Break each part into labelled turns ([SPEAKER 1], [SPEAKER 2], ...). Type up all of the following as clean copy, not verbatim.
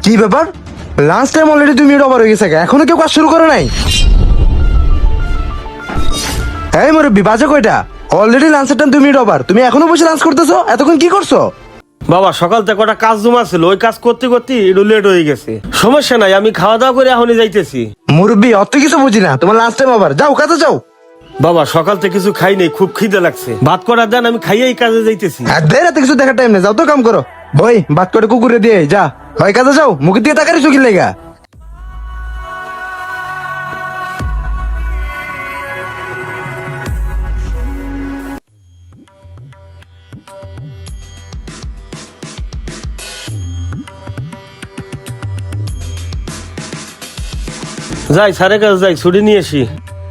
[SPEAKER 1] কি ব্যাপার? Lunch time already 2 minute over হয়ে গেছে, এখনো কেউ কাজ শুরু করে নাই? এই মুরব্বি, বাজে কয়টা? অলরেডি লাঞ্চের টাইম 2 মিনিট ওভার, তুমি এখনো বসে লাঞ্চ করতেছো? এতক্ষণ কি করছো?
[SPEAKER 2] বাবা সকাল থেকে কটা কাজ জমা ছিল, ওই কাজ করতে করতে একটু লেট হয়ে গেছে। সমস্যা নাই, আমি খাওয়া দাওয়া করে এখনই যাইতেছি।
[SPEAKER 1] মুরব্বি, অত কিছু বুঝি না, তোমার লাঞ্চ টাইম ওভার, যাও কাজে যাও।
[SPEAKER 2] বাবা সকাল থেকে কিছু খাই নাই, খুব খিদে লাগছে, ভাত করার দেন, আমি খাইয়েই কাজে যাইতেছি।
[SPEAKER 1] আর দেরি রাতে কিছু দেখার টাইম নেই, যাও তো কাম করো। বই বাদ করে কুকুরে দিয়ে যা, হয় কাজে যাও, মুখের দিকে তাকারি চোখের লেগা।
[SPEAKER 2] যাই স্যারের কাছে যাই, ছুটি নিয়ে আসি।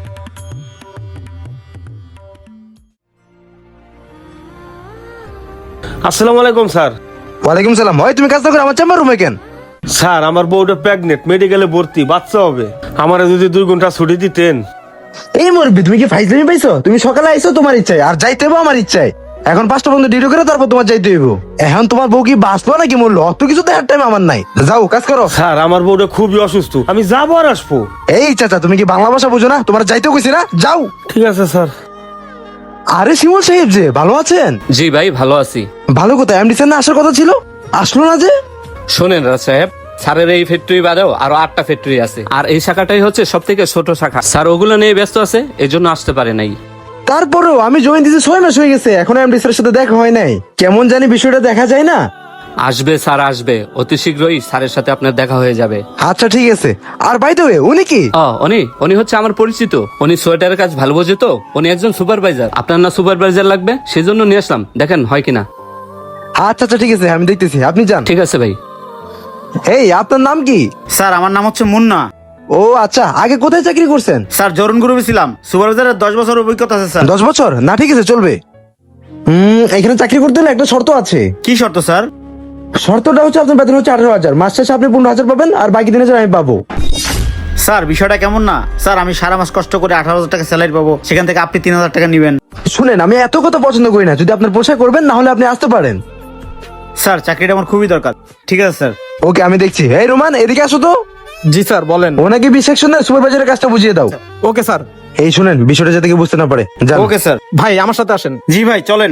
[SPEAKER 2] আসসালামু আলাইকুম স্যার।
[SPEAKER 1] ওয়ালাইকুম সালাম। হয় তুমি কাজটা করো আমার চেম্বার রুমে কেন?
[SPEAKER 2] স্যার আমার বউটা প্রেগনেন্ট, মেডিকেলে ভর্তি, বাচ্চা হবে। আমারে যদি 2 ঘন্টা ছুটি দিতেন।
[SPEAKER 1] এই মুরব্বি, তুমি কি ফাইজলামি পাইছো? তুমি সকালে আইছো তোমার ইচ্ছায়, আর যাইতে হইবো আমার ইচ্ছায়। এখন 5টা পর্যন্ত ডিউটি করে তারপর তোমার যাইতে হইব। এখন তোমার বউ কি বাঁচলো নাকি মরলো, অত কিছু দেখার টাইম আমার নাই। যাও কাজ করো।
[SPEAKER 2] স্যার আমার বউটা খুবই অসুস্থ, আমি যাবো আর আসবো।
[SPEAKER 1] এই চাচা, তুমি কি বাংলা ভাষা বুঝো না? তোমার যাইতেও কইছি না, যাও।
[SPEAKER 2] ঠিক আছে স্যার।
[SPEAKER 1] আরে শিমুল সাহেব, যে ভালো আছেন?
[SPEAKER 3] জি ভাই, ভালো আছি।
[SPEAKER 1] ভালো কোথায়? এমডি স্যার না আসার কথা ছিল, আসলো না যে?
[SPEAKER 3] শোনেন রাজ সাহেব, স্যারের এই ফ্যাক্টরি বাদেও আরো 8টা ফ্যাক্টরি আছে, আর এই শাখাটাই হচ্ছে সব থেকে ছোট শাখা। স্যার ওগুলো নিয়ে ব্যস্ত আছে, এই জন্য আসতে পারে নাই।
[SPEAKER 1] তারপরেও আমি জয়েন দিতে 6 মাস হয়ে গেছে, এখন এমডি স্যারের সাথে দেখা হয় নাই। কেমন জানি বিষয়টা দেখা যায় না।
[SPEAKER 3] আসবে স্যার, আসবে অতি শীঘ্রই স্যারের সাথে আপনার দেখা হয়ে যাবে।
[SPEAKER 1] আচ্ছা ঠিক আছে। আর বাই দ্য ওয়ে, উনি কি?
[SPEAKER 3] উনি হচ্ছে আমার পরিচিত। উনি সোয়েটারের কাজ ভালো বোঝে তো, উনি একজন সুপারভাইজার। আপনার না সুপারভাইজার লাগবে, সেই জন্য নিয়ে আসলাম, দেখেন হয় কিনা।
[SPEAKER 1] আচ্ছা আচ্ছা ঠিক আছে, আমি দেখতেছি, আপনি যান।
[SPEAKER 3] ঠিক আছে ভাই।
[SPEAKER 1] এই আপনার নাম কি?
[SPEAKER 4] স্যার আমার নাম হচ্ছে মুন্না।
[SPEAKER 1] ও আচ্ছা, আগে কোথায় চাকরি করছেন?
[SPEAKER 4] স্যার জরুন গ্রুপে ছিলাম, সুপারভাইজারের 10 বছর অভিজ্ঞতা আছে স্যার।
[SPEAKER 1] 10 বছর? না ঠিক আছে, চলবে। এখানে চাকরি করতে হলে একটা শর্ত আছে।
[SPEAKER 4] কি শর্ত স্যার?
[SPEAKER 1] শর্তটা হচ্ছে আপনার বেতন হচ্ছে 18,000, মাস শেষে আপনি 15,000 পাবেন, আর বাকি 3,000 আমি পাবো।
[SPEAKER 4] স্যার বিষয়টা কেমন না? স্যার আমি সারা মাস কষ্ট করে 18,000 টাকা স্যালারি পাবো, সেখান থেকে আপনি 3,000 টাকা নেবেন।
[SPEAKER 1] শুনেন, আমি এত কথা পছন্দ করি না, যদি আপনার পোষায় করবেন, না হলে আপনি আসতে পারেন।
[SPEAKER 4] স্যার চাকরিটা আমার খুবই দরকার। ঠিক আছে স্যার।
[SPEAKER 1] ওকে, আমি দেখছি। এই রোমান, এদিকে আসো তো।
[SPEAKER 5] জি স্যার, বলেন।
[SPEAKER 1] ওনাকে বি সেকশনের সুপারভাইজারের কাজটা বুঝিয়ে দাও।
[SPEAKER 5] Okay sir.
[SPEAKER 1] এই শুনেন, বিষয়টা যাতে কেউ বুঝতে না পারে, যান।
[SPEAKER 4] Okay sir.
[SPEAKER 5] ভাই আমার সাথে আসেন।
[SPEAKER 4] জি ভাই চলেন।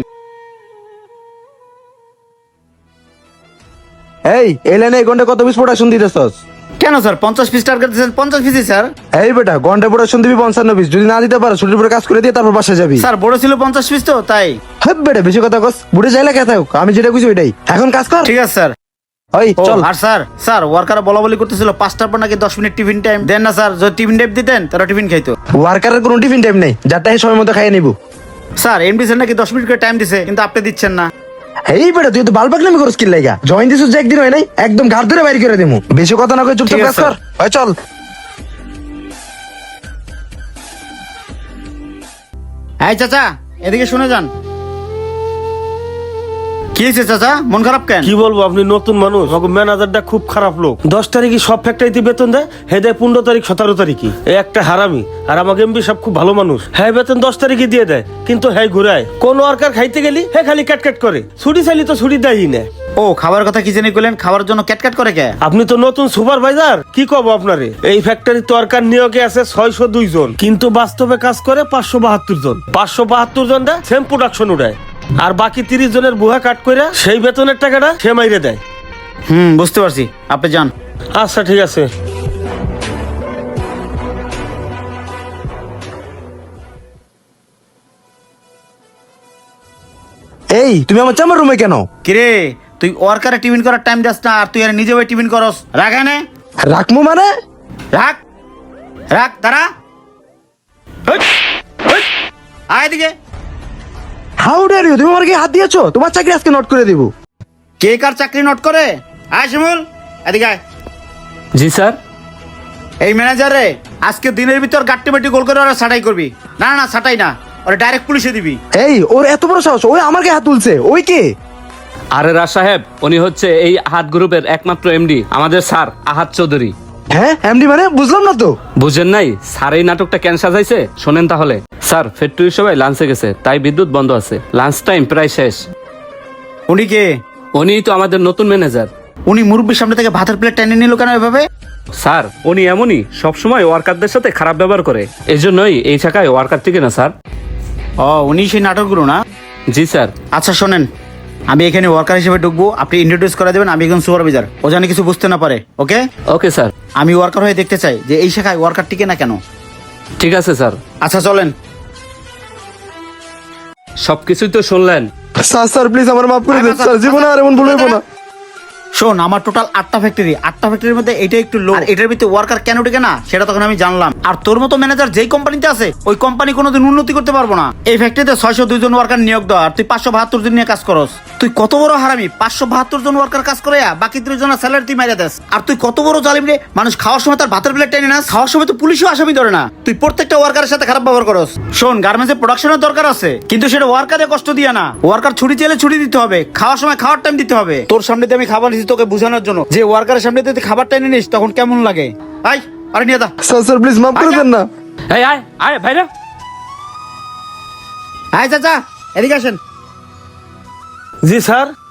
[SPEAKER 1] এই লাইনে 1 ঘন্টা কত পিস প্রোডাকশন দিতেছস?
[SPEAKER 4] কেন স্যার 50 পিস টার্গেট দিয়েছেন? 50 পিসই স্যার।
[SPEAKER 1] এই বেটা, ঘন্টা প্রোডাকশন দিবি 55 পিস, যদি না দিতে পারো ছুটির পরে কাজ করে দিয়ে তারপর বাসায় যাবি।
[SPEAKER 4] স্যার বড় ছিল 50 পিস তো তাই।
[SPEAKER 1] হ্যাঁ বেটা, বেশি কথা কস, বুড়ে যাইলে কে থাকুক, আমি যেটা কইছি ওইটাই, এখন কাজ কর।
[SPEAKER 4] ঠিক আছে স্যার।
[SPEAKER 1] ওই
[SPEAKER 4] ও,
[SPEAKER 1] চল।
[SPEAKER 4] আর স্যার ওয়ার্কার বলা বলি করতেছিল 5টার পর নাকি 10 মিনিট টিফিন টাইম দেন না স্যার। যদি টিফিন টাইম দিতেন তারা টিফিন খাইতো।
[SPEAKER 1] ওয়ার্কারের কোনো টিফিন টাইম নেই, যারটা এই সময় মতো খাইয়ে নিব।
[SPEAKER 4] স্যার এমডি স্যার নাকি 10 মিনিট করে টাইম দিছে, কিন্তু আপনি দিচ্ছেন না।
[SPEAKER 1] এই বেটা, তুই তো বালপাকনামি করস কি লাগা? জয়েন দিছিস যে একদিন হয় নাই, একদম ঘাট ধরে বাইরে করে দেবো। বেশি কথা না কই চুপচাপ
[SPEAKER 4] ঠিক
[SPEAKER 1] কাজ
[SPEAKER 4] আছে,
[SPEAKER 1] কর। ওই চল।
[SPEAKER 4] এই চাচা এদিকে শুনে যান। কি হয়েছে চাচা, মন খারাপ কেন?
[SPEAKER 2] কি বলবো, আপনি নতুন মানুষ, ম্যানেজারটা খুব খারাপ লোক। 10 তারিখে সব ফ্যাক্টরিতে বেতন দেয়, হে দেয় 15 তারিখ 17 তারিখে। এই একটা হারামি। আর আমাকে এমবি সব খুব ভালো মানুষ, হ্যাঁ বেতন 10 তারিখে দিয়ে দেয়, কিন্তু হ্যাঁ ঘুরায়। কোন ওয়ার্কার খাইতে গেলি হ্যাঁ খালি ক্যাটক্যাট করে, ছুটি চাইলি তো ছুটি দেয়ই না।
[SPEAKER 4] ও খাবার কথা কি জানি কইলেন, খাবার জন্য ক্যাটক্যাট করে কে?
[SPEAKER 2] আপনি তো নতুন সুপারভাইজার, কি কব আপনারে। এই ফ্যাক্টরি ওয়ার্কার নিয়োগে আছে 602 জন, কিন্তু বাস্তবে কাজ করে 572 জন। 572 জন দেয় সেম প্রোডাকশন উড়ায়, আর বাকি 30 জনের বুহা কাট করে সেই বেতনের টাকাটা সে মাইরে দেয়।
[SPEAKER 4] বুঝতে পারছি, আপনি যান।
[SPEAKER 2] আচ্ছা ঠিক আছে।
[SPEAKER 1] এই তুমি আমার চেম্বার রুমে কেন?
[SPEAKER 4] কিরে তুই ওয়ার্কারে টিফিন করার টাইম দিস না, আর তুই আর নিজে ওই টিফিন করস? রাখ এনে,
[SPEAKER 1] রাখমু মানে?
[SPEAKER 4] রাখ রাখ, দাঁড়া। হই, হই, আয় এদিকে।
[SPEAKER 1] হাউ ডেয়ার ইউ, তুমি আমার কি হাত দিয়েছো? তোমার চাকরি আজকে নোট করে দিব।
[SPEAKER 4] কে কার চাকরি নোট করে? আয় শিমুল এদিকে আয়।
[SPEAKER 3] জি স্যার।
[SPEAKER 4] এই ম্যানেজার রে, আজকে দিনের ভিতর গাট্টি বাটি গোল করে ওরা ছাটাই করবি। না না ছাটাই না, ওরা ডাইরেক্ট পুলিশে দিবি।
[SPEAKER 1] এই ওর এত বড় সাহস, ওই আমার গায়ে হাত তুলছে। ওই কে?
[SPEAKER 3] আরে রাজ সাহেব, উনি হচ্ছে এই আহাত গ্রুপের একমাত্র এমডি, আমাদের স্যার আহাত চৌধুরী।
[SPEAKER 1] হ্যাঁ এমডি মানে? বুঝলাম না তো।
[SPEAKER 3] বুঝেন নাই? স্যার এই নাটকটা কেন সাজাইছে শোনেন তাহলে। স্যার ফ্যাক্টরির সবাই লাঞ্চে গেছে, তাই বিদ্যুৎ বন্ধ আছে, লাঞ্চ টাইম প্রায় শেষ।
[SPEAKER 4] উনি কে?
[SPEAKER 3] উনি তো আমাদের নতুন ম্যানেজার।
[SPEAKER 4] উনি মুরব্বীর সামনে থেকে ভাতের প্লেট টেনে নিল কেন এভাবে?
[SPEAKER 3] স্যার উনি এমনই সবসময় ওয়ার্কারদের সাথে খারাপ ব্যবহার করে, এই জন্যই এই শাখায় ওয়ার্কার থেকে না স্যার।
[SPEAKER 4] ও উনি সেই নাটকগুলো না?
[SPEAKER 3] জি স্যার।
[SPEAKER 4] আচ্ছা শোনেন, আমি এখানে ওয়ার্কার হিসেবে ঢুকবো, আপনি ইন্ট্রোডিউস করে দেবেন, আমি একজন সুপারভাইজার, ও জানি কিছু বুঝতে না পারে। ওকে?
[SPEAKER 3] Okay sir.
[SPEAKER 4] আমি ওয়ার্কার হয়ে দেখতে চাই যে এই শাখায় ওয়ার্কার টিকে না কেন।
[SPEAKER 3] ঠিক আছে স্যার।
[SPEAKER 4] আচ্ছা চলেন।
[SPEAKER 3] সবকিছুই তো শুনলেন।
[SPEAKER 1] স্যার প্লিজ আমার মাফ করে দেন স্যার, জীবনে আর এমন ভুল হইব না।
[SPEAKER 4] শোন, আমার টোটাল 8টা ফ্যাক্টরি, 8টা ফ্যাক্টরির মধ্যে এটা একটু লো, এটার ভিতরে ওয়ার্কার কেন টিকে না সেটা তখন আমি জানলাম। আর তোর মতো ম্যানেজার যেই কোম্পানিতে আছে ওই কোম্পানি কোনোদিন উন্নতি করতে পারবো না। এই ফ্যাক্টরিতে 602 জন ওয়ার্কার নিয়োগ দেওয়া, আর তুই 572 জন নিয়ে কাজ করস। তুই কত বড় হারামি, 572 জন ওয়ার্কার কাজ করে বাকি 3 জনের স্যালারি তুই মাইরা দেস। আর তুই কত বড় জালিম রে, মানুষ খাওয়ার সময় তার ভাতের প্লেট টেনে নাস, খাওয়ার সময় তো পুলিশও আসামি ধরে না। তুই প্রত্যেকটা ওয়ার্কারের সাথে খারাপ ব্যবহার করস। শোন, গার্মেন্টসে প্রোডাকশনের দরকার আছে, কিন্তু সেটা ওয়ার্কারে কষ্ট দিয়া না। ওয়ার্কার ছুটি চাইলে ছুটি দিতে হবে, খাওয়ার সময় খাওয়ার টাইম দিতে হবে। তোর সামনে দিয়ে আমি খাবার নিচ্ছি তোকে বোঝানোর জন্য, যে ওয়ার্কারের সামনে দিয়ে তুই খাবার টেনে নিস তখন কেমন লাগে। আই আরে নিয়ে দা।
[SPEAKER 1] স্যার প্লিজ মাফ করে দেন না।
[SPEAKER 3] এই আয় আয় ভাইরা।
[SPEAKER 4] আয় চাচা এদিকে আসেন।
[SPEAKER 2] জি স্যার।